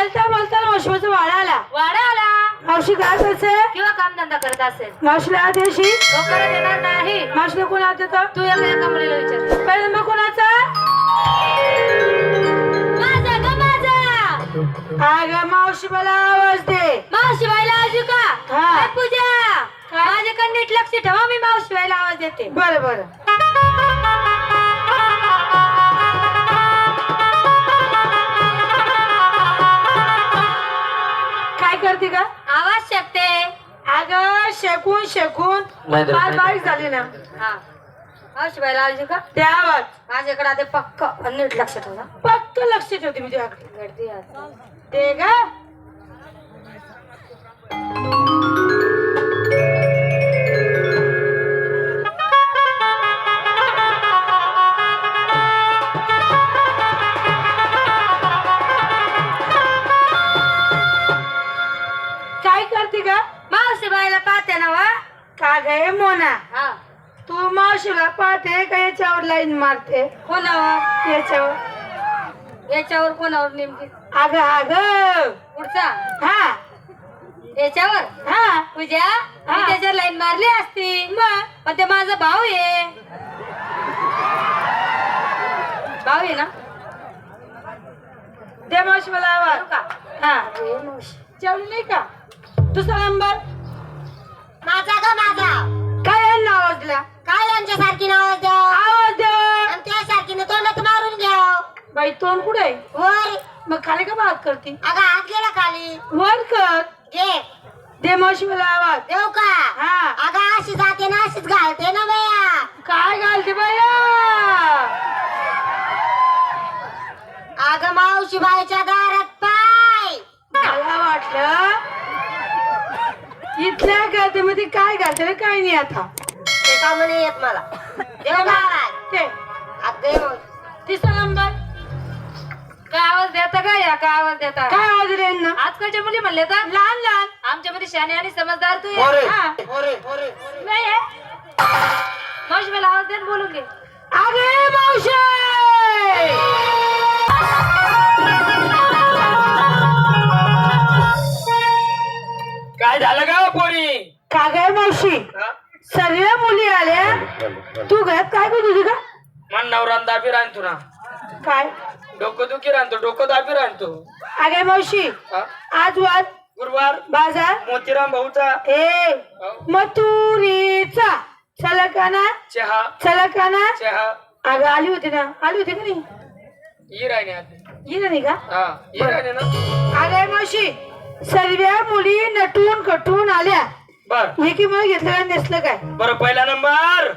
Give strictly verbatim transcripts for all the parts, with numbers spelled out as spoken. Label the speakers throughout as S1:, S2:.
S1: बोलता बोलता मावशीचा वाडा आला.
S2: वाडा आला.
S1: मावशी काय करते
S2: किंवा काम धंदा करत असेल.
S1: मावशीला आदेशी
S2: तो करत येणार नाही.
S1: मावशीला कोण आत देतं?
S2: तू एका एका मुलीला विचार.
S1: पहिले मग कोणाचा?
S2: माझा ग माझा.
S1: अगं मावशी मला आवाज दे.
S2: मावशी बाईला आजू का?
S1: हा.
S2: काय पूजा माझ्याकडे नीट लक्ष ठेवा. मी मावशी बाईला आवाज देते.
S1: बरं बरं. काय करते का?
S2: आवाज शकते.
S1: अगं शेकून शेकून फार बारीक झाली ना.
S2: हा मावशी बाईला आजू का?
S1: ते आवाज
S2: माझ्याकडे आता पक्क नीट लक्ष ठेवा.
S1: फक्त लक्ष ठेवते मी तुझ्याकडे.
S2: गर्दी आहे.
S1: ते का काय करते का?
S2: मावशी बाईला पाहते ना वा.
S1: का गे मोना,
S2: हा
S1: तू मावशीला पाहते का याच्यावर लाईन मारते?
S2: कोणावर?
S1: याच्यावर.
S2: याच्यावर कोणावर नेमकी?
S1: अगं अगं
S2: पुढचा
S1: हा
S2: याच्यावर.
S1: हा
S2: पूजा मी त्याच्यावर लाईन मारली असती.
S1: मग
S2: पण ते माझा भाऊ आहे. भाऊ आहे ना.
S1: दे मावशी मला आवाज.
S2: करू का?
S1: हा
S2: अरे मावशी.
S1: जेवली नाही का? दुसरा नंबर
S2: माझा ग माझा.
S1: काय यांना आवाज दिला?
S2: काय यांच्यासारखी नाव द्या.
S1: आवाज दे.
S2: आणि त्यासारखीने तोंडात मारून घ्या.
S1: बाई तोंड कुठे आहे?
S2: वर.
S1: मग खाली का भाग करते?
S2: अगं हात गेला खाली.
S1: वर कर.
S2: घे.
S1: दे मावशी मला आवाज.
S2: देऊ का?
S1: हा
S2: अगं अशी जाते ना अशीच घालते ना बया.
S1: काय घालते बाया?
S2: अगं मावशी बाईच्या दारात पाय.
S1: मला वाटलं इथल्या गर्दीमध्ये काय घालते रे काय नाही आता.
S2: ते का म्हणे येत मला. देऊ का आवाज?
S1: ते
S2: अगं
S1: तिसरा नंबर
S2: काय आवाज देता का? या काय आवाज देता?
S1: काय आवाज दिला यांना?
S2: आजकालच्या मुली म्हणले तर
S1: लहान लहान
S2: आमच्या मध्ये शाने आणि समजदार तू
S1: पोरे,
S2: आहे. हा.
S1: नाही आहे.
S2: मावशी मला आवाज देऊन बोलून घे.
S1: अगे मावशी
S3: काय झालं का पोरी?
S1: का गे मावशी सर्व मुली आल्या. तू घरात काय करत होती का?
S3: मन नवरान दाबी राहतो ना.
S1: काय
S3: डोकं दुखी राहतो डोकं दाबी राहतो.
S1: अगे मावशी
S3: हा?
S1: आज वाद
S3: गुरुवार
S1: बाजार
S3: मोतीराम भाऊचा
S1: ए मथुरीचा चलकाना
S3: चहा
S1: चलकाना.
S3: चहा
S1: अगं आली होती ना? आली होती का नाही?
S3: ही राहिने आधी.
S1: गेली नाही का?
S3: हा ही राहिने ना.
S1: अगे मावशी सर्व मुली नटून कटून आल्या.
S3: बर
S1: हे की मला घेतलं काय नेसलं काय?
S3: बर पहिला नंबर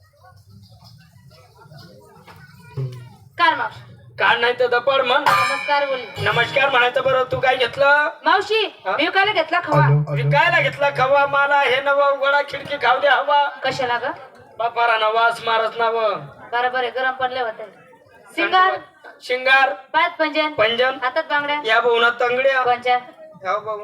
S2: कार मावशी.
S3: काढ नाही तर दपड म्हण.
S2: नमस्कार बोली.
S3: नमस्कार म्हणायचं. बरं तू काय घेतलं?
S2: मावशी
S3: हा?
S2: मी कायला घेतला खवा.
S3: विकायला घेतला खवा. मला हे नवा उघडा खिडकी खाऊ द्या हवा.
S2: कशाला ग?
S3: बापारा नवास मारस नाव.
S2: बरोबर आहे. गरम पडले होते. सिंगार
S3: शिंगार
S2: पाच पंजन
S3: पंजन
S2: हातात बांगड्या
S3: या बहुना तंगड्या
S2: कोणच्या
S3: ह्या बहु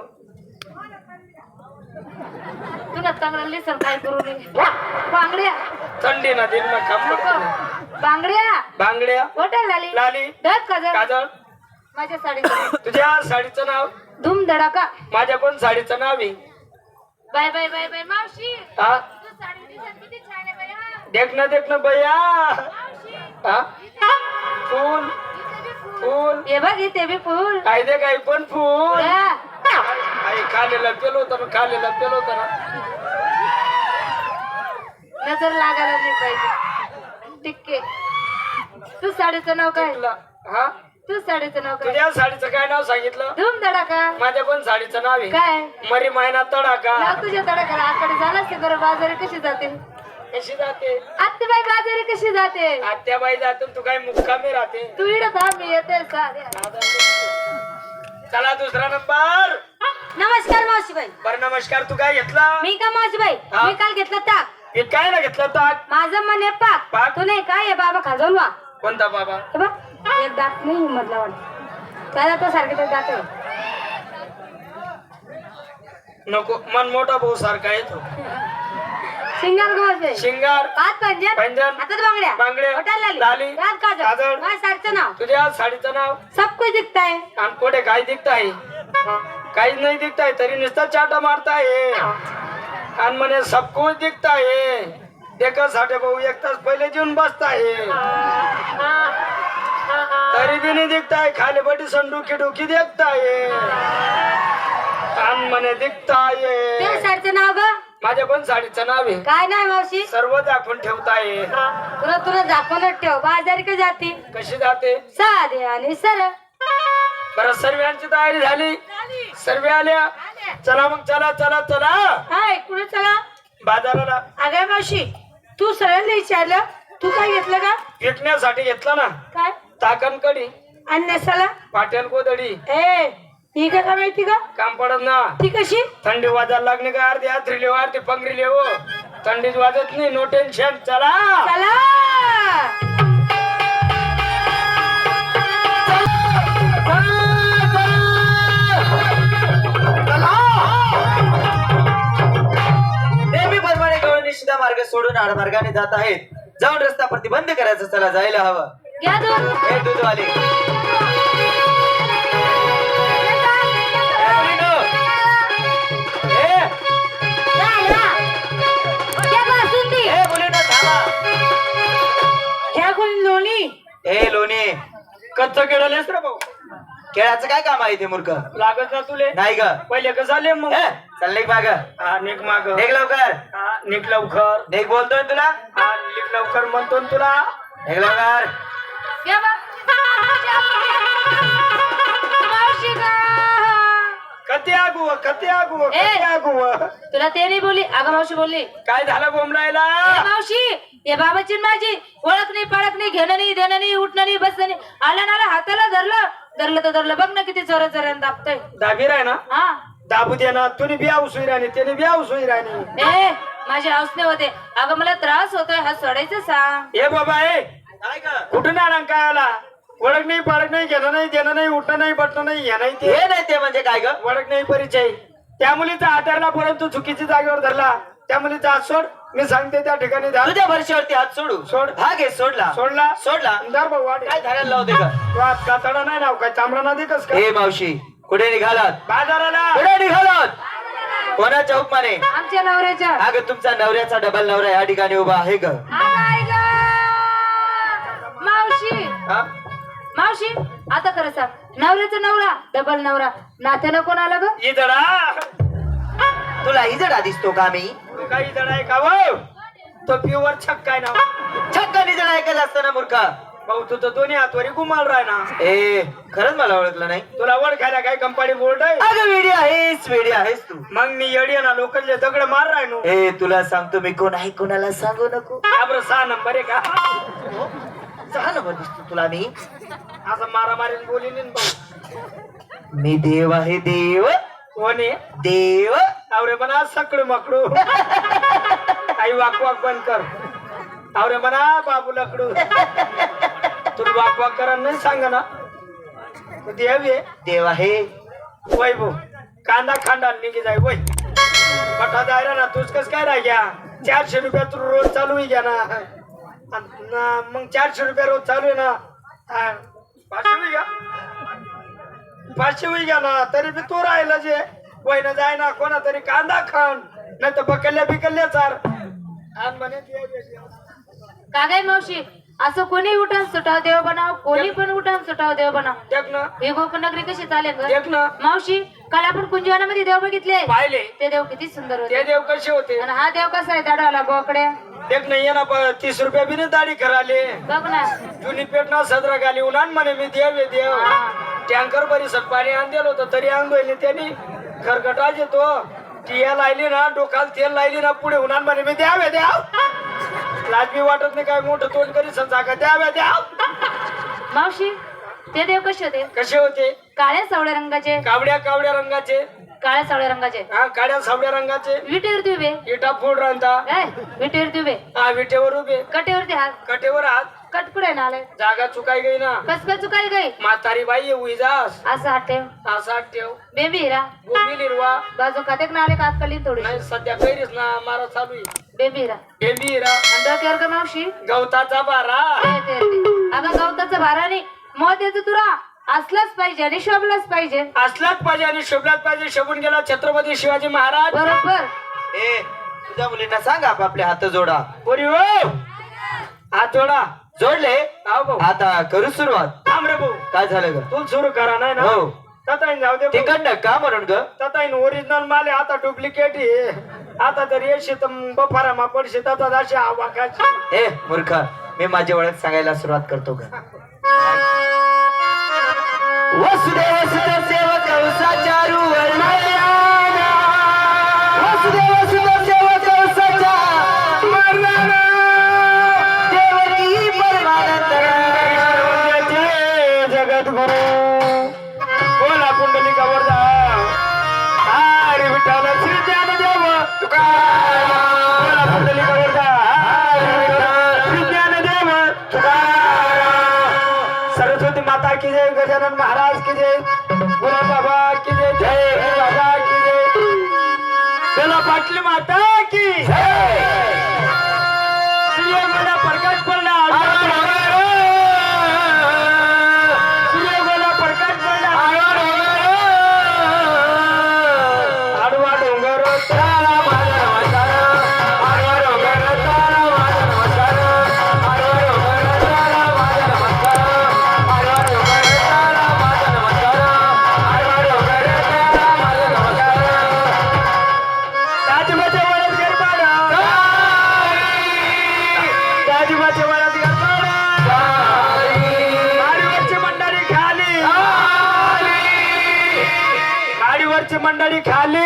S2: तुला चांगला लिसन काय करू नये. बांगड्या
S3: थंडी ना दिन में काम
S2: नको.
S3: पडतो.
S2: बांगड्या
S3: बांगड्या
S2: होटल लाली
S3: लाली
S2: दस काजळ
S3: काजळ.
S2: माझ्या साडीचं
S3: तुझ्या साडीचं नाव?
S2: धूम धडाका.
S3: माझ्या पण साडीचं नाव आहे.
S2: बाय बाय बाय बाय मावशी.
S3: हा
S2: तू साडी दिसत किती छान आहे बाई. हा.
S3: देखणं देखणं बया.
S2: मावशी
S3: हा फूल फूल
S2: हे बघ इथे बी फुल.
S3: काय दे काय पण फूल.
S2: हा.
S3: आई खालेला पेलो होता ना खालेला पेलो होता ना.
S2: नजर लागायला नाही पाहिजे. टिक्के. तू साडीचं नाव काय?
S3: तुला हा
S2: तू साडीचं नाव काय?
S3: तुझ्या साडीचं काय नाव सांगितलं?
S2: धूम धडाका.
S3: माझ्या पण साडीचं नाव आहे
S2: काय
S3: मरी महिना तडाका.
S2: नाव तुझ्या तडाखाला आकडे झाला असते बरं. बाजारी कशी जाते?
S3: कशी जाते?
S2: आत्तेबाई बाजारी कशी जाते?
S3: आत्याबाई जातून तू काय मुक्कामी राहते.
S2: तू इड थांब मी येते साऱ्या.
S3: चला दुसरा नंबर.
S2: नमस्कार मावशीबाई.
S3: बर नमस्कार. तू काय घेतला?
S2: मी का मावशीबाई
S3: हा?
S2: मी काल घेतला ताक.
S3: हे काय ना घेतलं ताक?
S2: माझं मन आहे पाक.
S3: पाक?
S2: तू नाही काय आहे बाबा खाजवून वा.
S3: कोणता बाबा?
S2: हे बघ एक दात नाही मधला वाटत. त्याला तो सारखे तर दात आहे.
S3: नको मन मोठा भाऊ सारखा येतो.
S2: शिंगार गोसे
S3: शिंगार
S2: हात पंजन
S3: पंजन
S2: हातात बांगड्या
S3: बांगड्या
S2: ओठाला लाली
S3: लाली
S2: गाल काजळ
S3: काजळ
S2: माझ्या साडीचं नाव
S3: तुझ्या साडीचं नाव
S2: सब कुछ दिखता है
S3: आणि पुढे काय दिखताय काहीच नाही दिखताय तरी नुसतं चाटा मारताय आणि म्हणे सब कुछ दिखताय देखा साठे भाऊ एक तास पहिले जेवून बसताय तरी बी नाही दिखताय खाली बडी संडुकी डुकी देखताय आणि म्हणे दिखताय
S2: त्या साडीचं नाव ग
S3: माझ्या पण साडीचं नाव आहे
S2: काय नाही मावशी
S3: सर्व दाखवून ठेवताय
S2: तुला तुला दाखवूनच ठेव बाजारी का जाती
S3: कशी जाते
S2: साधे आणि सरळ
S3: बरं सर्वांची तयारी झाली सर्व आल्या चला मग चला चला चला
S1: हाय कुठे चला
S3: बाजाराला
S1: अगं मावशी तू सगळ्यांना विचारलं तू काय घेतलं का
S3: विकण्यासाठी घेतला ना
S1: काय
S3: ताकण कडी
S1: आणि नेसाला
S3: पाट्याल कोदडी
S1: ए ही काय का माहिती का
S3: काम पडत ना
S1: ती कशी
S3: थंडी वाजायला लागणे का अर्धी आथरीले वारते पंगरीले हो थंडीच वाजत नाही नो टेन्शन चला
S1: चला
S4: नेहमीप्रमाणे गवळणी सीधा मार्ग सोडून आडमार्गाने जात आहेत जाऊन रस्ता प्रतिबंध करायचा चला जायला हवं
S2: घ्या दोन
S4: हे दूधवाले ए, मुलीनो. ए,
S2: या, या. घ्या बासुंदी.
S4: ए, मुलीनो, थांबा.
S1: ह्या कोण लोणी
S4: ए लोणी
S3: कच्च केळलेस रे भाऊ
S4: खेळाचं काय काम आहे ते मूर्ख
S3: लागत ना तुले
S4: नाही ग
S3: पहिले कसं आले मग
S4: ए, चल निघ माग
S3: हा निघ माग
S4: निघ लवकर
S3: हा निघ लवकर
S4: निघ बोलतोय ना तुला
S3: हा निघ लवकर म्हणतो ना तुला
S4: निघ लवकर
S2: घ्या बा. मावशी ग.
S3: कती आगू कती आगू
S2: ए.
S3: कती आगू
S2: तुला ते नाही बोलली अगं मावशी बोलली
S3: काय झालं बोंबलायला
S2: ए, मावशी ये बाबाची न माझी ओळख नाही पळख नाही घेणं नाही देणं नाही उठणं नाही बसणं नाही आलं नाला हाताला धरलं धरलं तर धरलं बघ ना किती चोरा चोऱ्यानं दाबतोय
S3: दाबी राय ना
S2: हा
S3: दाबू दे ना तुम्ही बिया उसुई राणी त्याने बिया उसुई राणी
S2: ए माझे हौसने होते अगं मला त्रास होतोय हा सोडायचं सांग
S3: ए बाबा ए
S4: काय ग
S3: कुठून आला काय आला ओळख नाही पाळख नाही घेणं नाही देणं नाही उठणं नाही बटणं नाही हे नाही ते
S4: हे नाही ते म्हणजे काय ग
S3: ओळख नाही परिचय त्या मुलीचा हात धरला परंतु चुकीची जागेवर धरला त्या मुलीचा हात सोड मी सांगते त्या ठिकाणी धर
S4: तुझ्या भरशीवरती हात सोडू
S3: सोड.
S4: हा घे सोडला
S3: सोडला
S4: सोडला
S3: धर भाऊ वाढ
S4: काय धरायला लावते ग
S3: तू हात कातडा नाही नाव काय चांबडा ना देतस का
S4: हे मावशी कुठे निघालात
S3: बाजाराला
S4: कुठे निघालात कोणाच्या हुकमाने
S2: आमच्या नवऱ्याच्या
S4: अगं तुमचा नवऱ्याचा डबल नवरा या ठिकाणी उभा आहे ग
S2: अगं, आई गं. मावशी
S3: हा?
S2: मावशी आता खरं सांग नवऱ्याचा नवरा डबल नवरा नात्यानं कोण आलं ग
S3: ही जडा
S4: तुला इजडा दिसतो का मी
S3: तू काही जड आहे का भाऊ तो प्युअर छक्का आहे ना
S4: छक्का निजडा ऐकत असताना मूर्खा
S3: भाऊ तू तर दोन्ही हातवरी गुमाल राय ना
S4: ए खरंच मला ओळखलं नाही
S3: तुला ओळखायला काय कंपनी बोर्ड आहे
S4: अगं वेडी आहेस वेडी आहेस तू
S3: मग मी येडी आहे ना लोकांचे दगड मार राय नो
S4: ए तुला सांगतो मी कोण आहे कोणाला सांगू नको
S3: बरं सहा नंबर आहे का
S4: सहा नंबर दिसतो तुला मी
S3: असं मारामारीने बोलीन ना भाऊ
S4: मी देव आहे देव
S3: कोण आहे
S4: देव
S3: आवरे म्हणा सकडू मकडू आई वाक वाक बंद कर आवरे म्हणा बाबू लकडू तुला वाक वाक करा नाही सांग ना तू देव आहे
S4: देव आहे
S3: वय भाऊ कांदा खांदा निघी जाय वय पठा जायला ना तूच कस काय राह घ्या चारशे रुपया तू रोज चालू आहे घ्या ना अन ना मग चारशे रुपया रोज चालू आहे ना हा, पाचशे होई घ्या पाचशे होई घ्या ना तरी बी तू राहिला जे वय ना जाय ना कोणा तरी कांदा खाण नाही तर बकल्ल्या बिकल्ल्या चार आणि म्हणे देव आहे, देव.
S2: का काय मावशी असं कोणी उठान सुटाव देव बनाव कोणी पण उठान सुटाव देव बनाव
S3: देख ना
S2: हे गोकुळनगरी कशी चालेल ग
S3: देख ना
S2: मावशी काल आपण कुंजवनामध्ये देव बघितले
S3: पाहिले
S2: ते देव किती सुंदर होते
S3: ते देव कसे होते
S2: आणि हा देव कसा आहे दाडवाला बोकड्या
S3: देख नाही ये ना प- तीस रुपया बी नाही दाढी कराले
S2: बघ ना
S3: जुनी पेट ना सदरा गाली उन्हान म्हणे मी देव आहे देव टँकर परिसर पाणी आण दिलं होतं तरी आंघोळले त्यांनी खरकटाच येतो टिया लायली ना डोकाल तेल लायली ना पुढे उन्हान म्हणे मी द्यावे द्याव लाजमी वाटत नाही काय मोठं तोंड करी समजा का द्यावे द्याव
S2: मावशी ते देव कसे होते
S3: कसे होते
S2: काळ्या सावळ्या रंगाचे
S3: कावड्या कावड्या रंगाचे
S2: काळ्या सावळ्या रंगाचे
S3: हा काड्या सावड्या रंगाचे
S2: विटेवरती उभे
S3: इटा फुड राहता
S2: काय विटेवरती उभे
S3: हा विटेवर उभे
S2: कटेवरती हात
S3: कटेवर हात
S2: कटकुडे ना आले
S3: जागा चुकाई गई ना
S2: कस काय चुकाई गई
S3: म्हातारी बाई ये उईजास
S2: असं हटेव
S3: असा ठेव
S2: बेबी हिरा
S3: गोमी निर्वा
S2: बाजू खाते ना आले कात कली थोडी
S3: नाही सध्या कैरीस ना मारा चालू आहे
S2: बेबी हिरा
S3: बेबी रा
S2: डोक्यावर का मावशी
S3: गवताचा बारा
S2: येते, येते. अगं गवताचं भाराने मत येतं तुला असलाच पाहिजे आणि शोभलाच पाहिजे
S3: असलाच पाहिजे आणि शोभलाच पाहिजे शोभून गेला छत्रपती शिवाजी महाराज
S2: बरोबर
S4: ए तुझ्या मुलींना सांग आपले हात जोडा
S3: बोरी हो हात जोडा
S4: जोडले
S3: आव भाऊ
S4: आता करू सुरुवात
S3: थांब रे भाऊ
S4: काय झालं ग
S3: तू सुरू करा नाही ना
S4: हो
S3: तताईन जाऊ दे भाऊ.
S4: तिकडनं का म्हणून ग
S3: तताईन ओरिजिनल माले आता डुप्लिकेट आहे आता तर येशी तर बफारा मा पडशी ततात अशी आवाकाची
S4: ए मूर्ख मी माझी ओळख सांगायला सुरुवात करतो ग वसुदेव सुत सेवक चारू वसुदेव सुत सेवक देवकी परमानंद
S3: जगद्गुरु बोला पुंडलिका वरदा हरी विठ्ठल श्री ज्ञानदेव तुकाराम बोला पुंडलिका वरदा हरी विठ्ठल श्री ज्ञानदेव तुकाराम सरस्वती माता की जय गजानन महाराज की जय गुरु बाबा की जय जय गुरु बाबा की जय बोला पाटली माता की जय सूर्य गोला प्रकाश पडला सूर्य गोला प्रकाश पडला आडवा डोंगर तारा माझा नमस्कार आडवा डोंगर तारा माझा नमस्कार आडवा डोंगर तारा माझा नमस्कार आडवा डोंगर तारा माझा नमस्कार आडवा डोंगर तारा माझा नमस्कार राजमाच्या वळत गरबाडा राजमाच्या वळत गरबाडा गाडीवरची मंडळी खाली गाडीवरची मंडळी खाली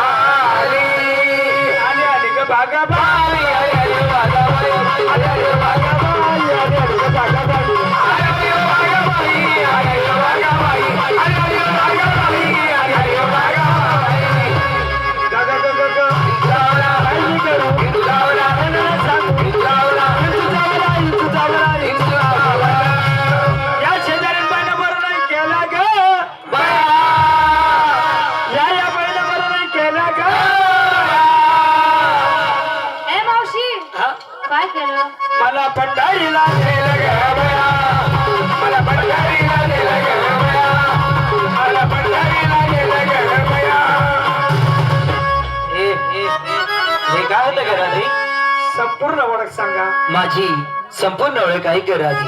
S3: आली आली ग भागा बाई आली आली ग भागा बाई आली आली ग भागा बाई आली आली ग भागा बाई आली आली ग भागा बाई आली आली ग भागा बाई आली आली ग भागा बाई आली आली ग भागा बाई ग ग ग ग ग लावला काही करू लावला ना सांग लावला इंचू जावला इंचू जावला इंचू जावला या शेजारीन बाईने बरं नाही केला ग बाया या या बाईने बरं नाही केला ग
S2: ए मावशी
S3: हा
S2: काय केलं
S3: मला पंढरीला नेलं ग बया मला पंढरीला नेलं ग बया मला पंढरीला नेलं ग बया
S4: ए ए ए हे काय होतं ग राधी
S3: संपूर्ण ओळख सांगा
S4: माझी संपूर्ण ओळख आहे ग राधी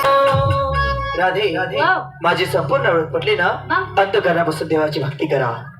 S4: राधे
S2: वाव.
S4: माझी संपूर्ण ओळख पटली ना
S2: मग?
S4: अंतकरणापासून देवाची भक्ती करा